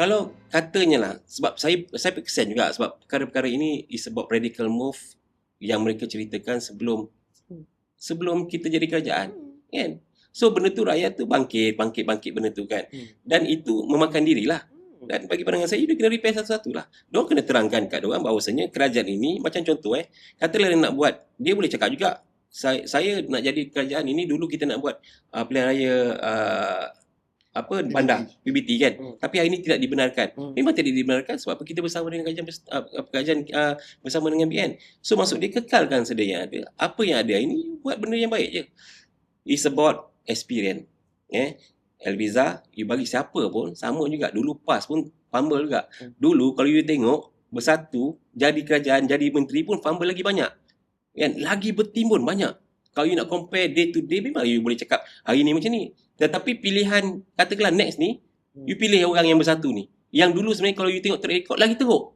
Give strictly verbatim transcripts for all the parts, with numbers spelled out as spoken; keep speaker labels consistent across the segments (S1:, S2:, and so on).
S1: Kalau katanya lah, sebab saya saya kesian juga sebab perkara-perkara ini is about radical move yang mereka ceritakan sebelum sebelum kita jadi kerajaan, kan? So benda tu rakyat tu bangkit, bangkit, bangkit benda tu kan. Dan itu memakan dirilah. Dan bagi pandangan saya, dia kena repair satu-satu lah. Diorang kena terangkan kat diorang bahawasanya kerajaan ini, macam contoh eh, katalah dia nak buat, dia boleh cakap juga, saya, saya nak jadi kerajaan ini, dulu kita nak buat uh, pilihan raya uh, apa bandar P B T kan, hmm. tapi hari ini tidak dibenarkan. hmm. Memang tidak dibenarkan sebab apa, kita bersama dengan kerajaan uh, kerajaan uh, bersama dengan B N. So maksud dia, kekalkan sedia yang ada. Apa yang ada ini, buat benda yang baik je. It's about experience. eh Elviza, you bagi siapa pun sama juga. Dulu PAS pun fumble juga. hmm. Dulu kalau you tengok bersatu jadi kerajaan, jadi menteri pun fumble lagi banyak kan, lagi bertimbun banyak. Kalau you nak compare day to day, memang you boleh cakap hari ni macam ni. Tetapi pilihan, katakanlah next ni, you pilih orang yang bersatu ni. Yang dulu sebenarnya kalau you tengok track record, lagi teruk.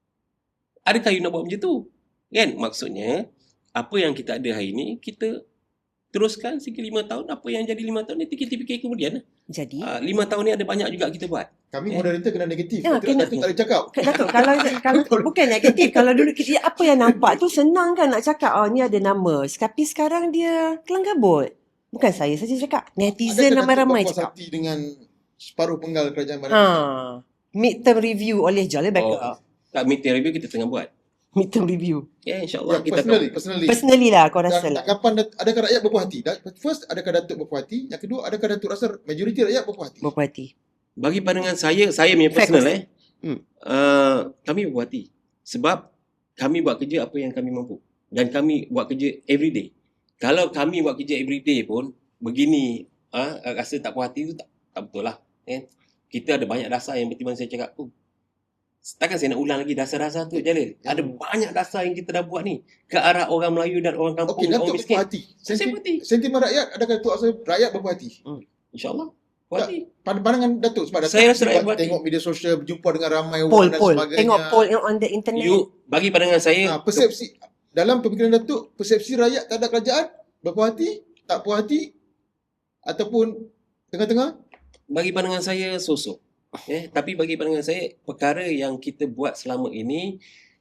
S1: Adakah you nak buat macam tu? Kan? Maksudnya, apa yang kita ada hari ni, kita teruskan segi lima tahun. Apa yang jadi lima tahun, nanti kita fikir kemudian.
S2: Jadi?
S1: Uh, lima tahun ni ada banyak juga kita buat.
S3: Kami eh? moderator kena negatif.
S2: Ya, kena,
S3: Datuk tak boleh cakap.
S2: Datuk, kalau, kalau bukan negatif. Kalau dulu kita, apa yang nampak tu senang kan nak cakap, oh ni ada nama. Tapi sekarang dia kelang kabut. Bukan saya saja cakap. Netizen ramai-ramai cakap.
S3: Adakah Datuk berpuas hati dengan separuh penggal kerajaan barat?
S2: Ha. Midterm review oleh Jalil Backup.
S1: Oh, tak, midterm review kita tengah buat.
S2: Midterm review.
S1: Ya, insyaAllah
S3: Ya,
S1: kita
S3: personally,
S1: tahu.
S3: personally.
S2: Personally lah kau rasa
S3: Dan,
S2: lah.
S3: kapan, adakah rakyat berpuas hati? First, adakah Datuk berpuas hati? Yang kedua, adakah Datuk rasa majoriti rakyat berpuas hati?
S2: Berpuas hati.
S1: Bagi pandangan saya, saya punya personal eh,
S2: hmm.
S1: uh, kami berpuas hati. Sebab kami buat kerja apa yang kami mampu. Dan kami buat kerja everyday. Kalau kami buat kerja everyday pun, begini, uh, rasa tak puas hati tu tak, tak betul lah. Eh? Kita ada banyak dasar yang betul saya cakap tu. Takkan saya nak ulang lagi dasar-dasar tu, Jalil. Hmm. Ada banyak dasar yang kita dah buat ni. Ke arah orang Melayu dan orang kampung,
S3: Okey, Datuk
S1: orang miskin.
S3: berpuas hati.
S1: Saya
S3: Senti-
S1: berpuas hati.
S3: Sentimen rakyat, adakah Datuk rasa rakyat berpuas hati?
S1: Hmm. InsyaAllah. Puas hati.
S3: Pandangan Datuk, sebab Datuk
S1: Saya rasa rakyat
S3: buat,
S1: berpuas hati.
S3: tengok media sosial, berjumpa dengan ramai orang
S2: Poll,
S3: dan
S2: poll.
S3: sebagainya.
S2: Tengok poll yang on the internet.
S1: You, bagi pandangan saya,
S3: Ha, persepsi, dalam pemikiran Datuk, persepsi rakyat terhadap kerajaan, berpuas hati, tak puas hati, ataupun tengah-tengah?
S1: bagi pandangan saya sosok. Eh, tapi bagi pandangan saya, perkara yang kita buat selama ini,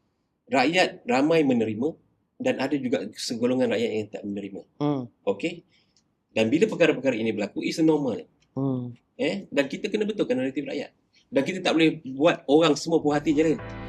S1: rakyat ramai menerima dan ada juga segolongan rakyat yang tak menerima.
S2: Hmm.
S1: Okey? Dan bila perkara-perkara ini berlaku, is normal.
S2: Hmm.
S1: Eh, dan kita kena betulkan naratif rakyat. Dan kita tak boleh buat orang semua puas hati je.